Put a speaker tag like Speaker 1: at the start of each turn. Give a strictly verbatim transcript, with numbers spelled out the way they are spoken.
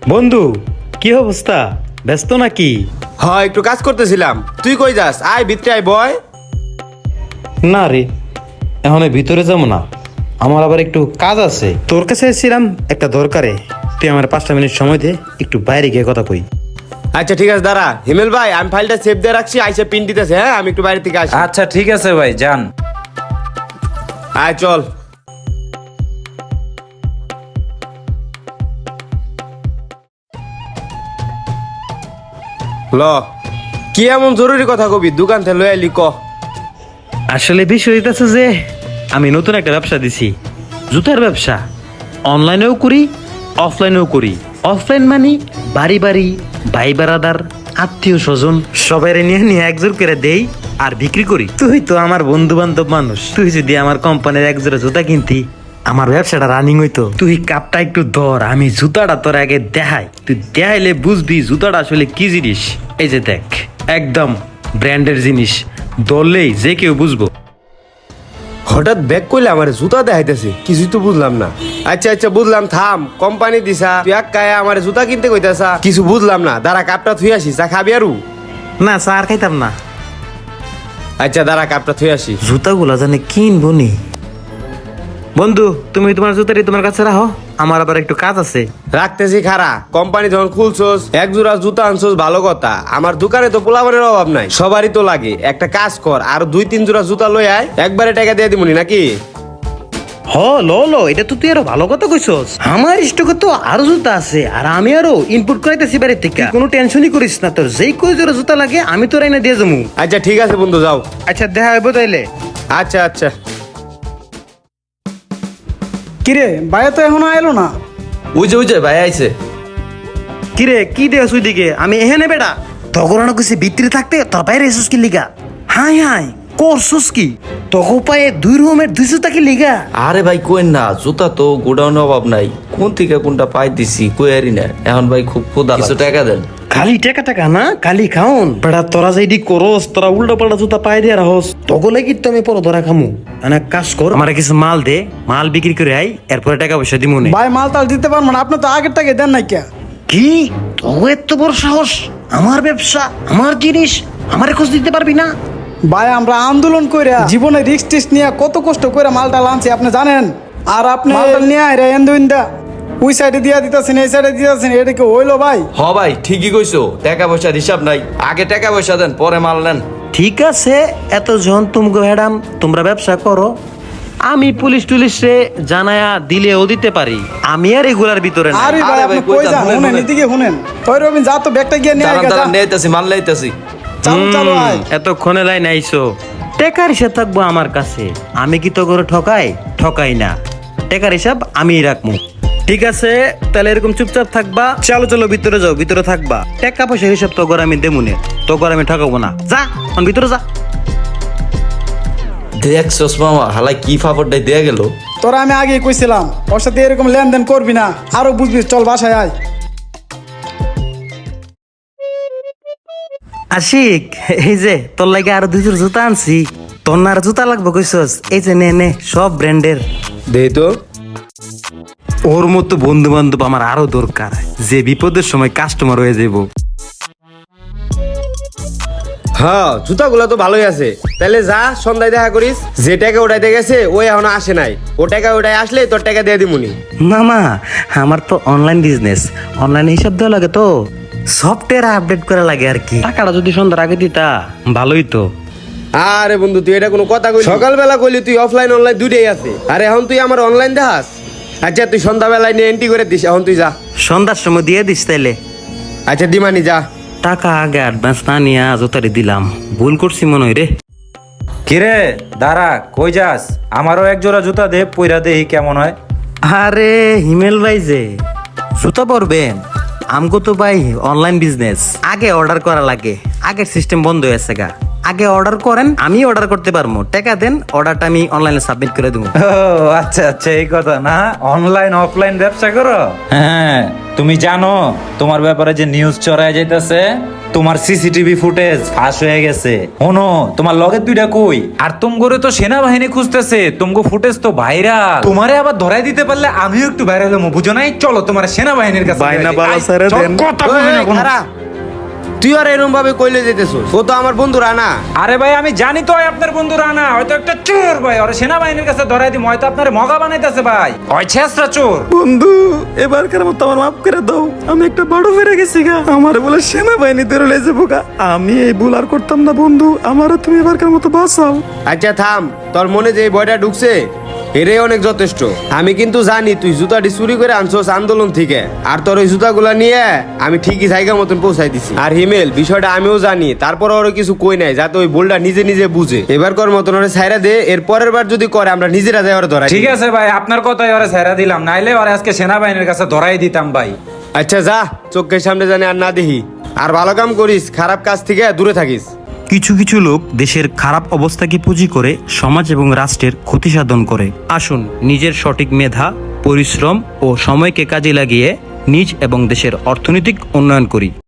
Speaker 1: বন্ধু, কি অবস্থা? ব্যস্ত নাকি?
Speaker 2: হ্যাঁ, একটু কাজ করতেছিলাম। তুই কই যাস? আয় ভিতরে আয়, বয়।
Speaker 1: না রে, এখন ভিতরে যাবো না, আমার আবার একটু কাজ আছে। তোর কাছে এসেছিলাম একটা দরকারে। তুই আমার পাঁচটা মিনিট সময় দে, একটু বাইরে গিয়ে কথা কই।
Speaker 2: আচ্ছা ঠিক আছে, দাঁড়া। হিমেল ভাই, আমি ফাইলটা সেভ দিয়ে রাখছি, আইসা পিন দিতেছে। হ্যাঁ, আমি একটু বাইরে থেকে আসি।
Speaker 3: আচ্ছা ঠিক আছে ভাই, যান।
Speaker 2: আয় চল। ল, কি এমন জরুরি কথা কবি? দোকান থেকে লই আইলি, ক।
Speaker 1: আসলে বিষয় হইতেছে যে আমি নতুন একটা ব্যবসা দিছি, জুতার ব্যবসা। অনলাইনেও করি, অফলাইনেও করি। অফলাইন মানে বাড়ি বাড়ি, ভাই বেড়াদার, আত্মীয় স্বজন সবাই নিয়ে নিয়ে একজোর করে দেই আর বিক্রি করি। তুই তো আমার বন্ধু বান্ধব মানুষ, তুই যদি আমার কোম্পানির একজোড়া জুতা কিনতি, আমার ব্যবসাটা রানিং হইতো। তুই কাপটা একটু ধর, আমি জুতাটা তোর আগে দেখাই। তুই দেখাইলে বুঝবি জুতাটা আসলে কি জিনিস। এই যে দেখ, একদম ব্র্যান্ডের জিনিস, ধরলেই যে কেউ বুঝবো।
Speaker 2: হঠাৎ ব্যাগ কইলে আমার জুতা দেখাইতেছে, কিছুই তো বুঝলাম না। আচ্ছা আচ্ছা বুঝলাম, থাম। কোম্পানি দিছা, তুই এক কায়া আমার জুতা কিনতে কইতাছা, কিছু বুঝলাম না। দাঁড়া, কাপটা থুই আসি। চা খাবি আরু?
Speaker 1: না, স্যার খাইতাম না।
Speaker 2: আচ্ছা দাঁড়া, কাপটা থুই আসি।
Speaker 1: জুতাগুলা জানে কিনবো নি। বন্ধু, তুমি তোমার জুতারি তোমার কাছে রাখো, আমার আবার একটু কাজ আছে।
Speaker 2: রাখতেছি খারা। কোম্পানি যখন খুলছোস, এক জোড়া জুতা আনছোস, ভালো কথা। আমার দোকানে তো পোলাপানের অভাব নাই, সবারই তো লাগে। একটা কাজ কর, আর দুই তিন জোড়া জুতা লই আয়, একবারে টাকা দিয়ে দিমুনি নাকি?
Speaker 1: হ, লো লো, এটা তো তুই আরো ভালো কথা কইছস। আমার স্টকে তো আরো জুতা আছে, আর আমি আরো ইনপুট করাইতেছি বাইরে থেকে। কোনো টেনশনই করিস না, তোর যেই কই জোড়া জুতা লাগে আমি তোর এনে দিয়ে যাবো।
Speaker 2: আচ্ছা ঠিক আছে বন্ধু, যাও।
Speaker 1: আচ্ছা, দেখা হইব তাইলে।
Speaker 2: আচ্ছা আচ্ছা।
Speaker 4: কিরে, বাইরে তো এখনো আইলো না।
Speaker 3: ওই যে ওই যে ভাই আইছে।
Speaker 1: কিরে, কি দেখ ওই দিকে? আমি এখানে বেটা তখন কিছু ভিতরে থাকতে তোর বাইরে এসুস কি লিগা? হাই হাই করছুস কি? তখন পায়ে দুই রুমের দুই জুতা কি লিগা?
Speaker 3: আরে ভাই কোয়েন না, জুতা তো গোডাউনে অভাব নাই, কোন থেকে কোনটা পাই দিছি কইয়ারি না। এখন ভাই খুব ক্ষুধা, কিছু টাকা দেন।
Speaker 1: খালি টাকা টাকা না, খালি খাওন বেটা। তোরা যেদি করস, তোরা উল্টা পাল্টা জুতা পায়ে দিয়ে রাখস, তখন লাগি তো আমি পরে ধরা খামু। মানে কাজ কর, আমার কিছু মাল দে, মাল বিক্রি করে আই, এরপরে টাকা পয়সা দিমু নে।
Speaker 4: ভাই মাল তাল দিতে পারবো না, আপনি তো আগের টাকা দেন নাই কে?
Speaker 1: কি তো এত বড় সাহস? আমার ব্যবসা, আমার জিনিস, আমারে খোঁজ দিতে পারবি না?
Speaker 4: ভাই আমরা আন্দোলন করে জীবনে রিস্ক টিস্ক নিয়ে কত কষ্ট করে মালটা আনছি আপনি জানেন। আর আপনি মালটা নিয়ে আইরা এন্দুইন্দা ওই সাইডে দিয়া দিতেছেন, এই সাইডে দিতেছেন, এটা কি হইলো ভাই?
Speaker 3: হ ভাই ঠিকই কইছো, টাকা পয়সার হিসাব নাই। আগে টাকা পয়সা দেন, পরে মাল নেন।
Speaker 1: ঠিক আছে, এত জন তুমগো ম্যাডাম, তোমরা ব্যবসা করো। আমি পুলিশ টুলিশে জানায়া দিলেও দিতে পারি, আমি আর এগুলার ভিতরে না।
Speaker 4: আরে ভাই
Speaker 3: আরে
Speaker 4: আপনি
Speaker 3: ভাই, কই
Speaker 4: কই
Speaker 3: যান?
Speaker 4: যান?
Speaker 3: শুনেন,
Speaker 4: শুনেন
Speaker 3: শুনেন।
Speaker 4: এদিকে শুনেন। তই রবিন যা তো ব্যাগটা গিয়ে নিয়ে
Speaker 3: দাঁড়ান
Speaker 4: আইগা যা।
Speaker 3: দাঁড়ান, নেইতাছি মাল নেইতাছি।
Speaker 4: চালু চালু আয়।
Speaker 1: এতক্ষণে লাইন আইসো, টেকার হিসাব থাকবো আমার কাছে। আমি কি তো করে ঠকাই? ঠকাই না, টেকার হিসাব আমিই রাখবো। ঠিক আছে, তাহলে এরকম চুপচাপ থাকবা। চলো চলো ভিতরে যাও, ভিতরে থাকবা। টাকা পয়সার হিসাব তো করে আমি দেমুনে, তো করে আমি ঠকাবো না। যা এখন ভিতরে যা।
Speaker 3: দেখছস মামা, হালাই কি ফাফড়টাই দেয়া গেল।
Speaker 4: তোরা আমি আগেই কইছিলাম ওর সাথে এরকম লেনদেন করবি না, আরো বুঝবি। চল বাসায় আয়।
Speaker 1: আশিক, এই যে তোর লাগে আরো দুই জোড় জুতা আনছি। তোর না আর জুতা লাগবে কইছস? এই যে নে নে, সব ব্র্যান্ডের।
Speaker 2: দে তো।
Speaker 1: ওর মতো বন্ধু বান্ধব আমার আরো দরকার, যে বিপদের সময় কাস্টমার হয়ে যাব।
Speaker 2: হ্যাঁ, জুতাগুলো তো ভালোই আছে। তাহলে যা, সন্ধ্যায় দেখা করিস। যে টাকা ওটাইতে গেছে ওই এখনো আসে নাই। ও টাকা ওটাই আসলে তোর টাকা দিয়ে দিমুনি।
Speaker 1: মামা, আমার তো অনলাইন বিজনেস, অনলাইন হিসাব দেওয়া লাগে, তো সফটওয়্যার আপডেট করা লাগে আর কি। টাকাটা যদি সন্ধ্যার আগে দিতা ভালোই তো।
Speaker 2: আরে বন্ধু, তুই এটা কোনো কথা কইলি? সকালবেলা কইলি তুই অফলাইন অনলাইন দুইটাই আছে, আরে এখন তুই আমার অনলাইন দেখাস। আচ্ছা তুই সন্ধ্যাবেলায় নিয়ে এন্ট্রি করে দিস, এখন তুই যা।
Speaker 1: সন্ধ্যার সময় দিয়ে দিস তাইলে।
Speaker 2: আচ্ছা দিমানি, যা।
Speaker 1: টাকা আগে অ্যাডভান্স না নিয়ে জোতারি দিলাম, ভুল করছি মনে হয় রে।
Speaker 5: কিরে দাঁড়া, কই যাস? আমারও এক জোড়া জুতা দে, পইরা দেহি কেমন হয়।
Speaker 1: আরে হিমেল ভাই, যে জুতা পরবেন? আমগো তো ভাই অনলাইন বিজনেস, আগে অর্ডার করা লাগে। আগের সিস্টেম বন্ধ হয়েছে গা। আগে অর্ডার করেন, আমি অর্ডার করতে পারবো। টাকা দেন, অর্ডারটা আমি অনলাইনে সাবমিট করে দেবো।
Speaker 5: ও আচ্ছা আচ্ছা, এই কথা না। অনলাইন অফলাইন ব্যবসা করো? হ্যাঁ, তুমি জানো তোমার ব্যাপারে যে নিউজ চড়ায় যাইতেছে, তোমার সিসিটিভি ফুটেজ ফাঁস হয়ে গেছে। শোনো, তোমার লগের দুইটা কই? আর তুমগরে তো সেনাবাহিনী খুঁজতেছে, তুমগো ফুটেজ তো ভাইরাল। তোমারে আবার ধরাই দিতে পারলে আমিও একটু ভাইরাল হবো, বুঝো নাই? চলো তোমার সেনাবাহিনীর কাছে
Speaker 1: বাইনা
Speaker 5: ধরাই দিই।
Speaker 1: বালা
Speaker 5: আই,
Speaker 1: ছেড়ে
Speaker 5: চল,
Speaker 1: দেন।
Speaker 5: কথা কইবি না
Speaker 2: ওই,
Speaker 5: কোনো।
Speaker 2: খারা। তুই আর এরকম ভাবে কইলে যেতেছ, ও তো আমার বন্ধুরা না।
Speaker 5: আরে ভাই আমি জানি তো আপনার বন্ধু রানা হয়তো একটা চোর ভাই, ওরে সেনাবাহিনীর কাছে ধরাই দিই, হয়তো আপনার মগা বানাইতেছে ভাই, ওই ছেসরা চোর।
Speaker 1: বন্ধু এবারকার মতো আমার মাফ করে দাও, আমি একটা বড় ফেরে গেছি গা, আমার বলে সেনাবাহিনীতে রলে যাবো গা। আমি এই ভুল আর করতাম না বন্ধু, আমারও তুমি এবারকার মতো বাঁচাও।
Speaker 2: আচ্ছা থাম, তোর মনে যে এই ভয়টা ঢুকছে এটাই অনেক যথেষ্ট। আমি কিন্তু জানি তুই জুতাটি চুরি করে আনছোস আন্দোলন থেকে, আর তোর ওই জুতাগুলা নিয়ে আমি ঠিকই জায়গা মতন পৌঁছাই দিছি। আর হিমেল, বিষয়টা আমিও জানি, তারপর ওরা কিছু কই নাই, যাতে ওই বোলটা নিজে নিজে বুঝে। এবার কর মতন ওরা ছাইরা দে, এর পরের বার যদি করে আমরা নিজেরা যাই ওরা ধরাই।
Speaker 5: ঠিক আছে ভাই, আপনার কথাই ওরে ছেড়ে দিলাম, নাইলে ওরে আজকে সেনাবাহিনীর কাছে ধরাই দিতাম ভাই।
Speaker 2: আচ্ছা যা, চোখের সামনে জানি আর না দেখি। আর ভালো কাম করিস, খারাপ কাজ থেকে দূরে থাকিস।
Speaker 1: কিছু কিছু লোক দেশের খারাপ অবস্থাকে পুঁজি করে সমাজ এবং রাষ্ট্রের ক্ষতি সাধন করে। আসুন নিজের সঠিক মেধা, পরিশ্রম ও সময়কে কাজে লাগিয়ে নিজ এবং দেশের অর্থনৈতিক উন্নয়ন করি।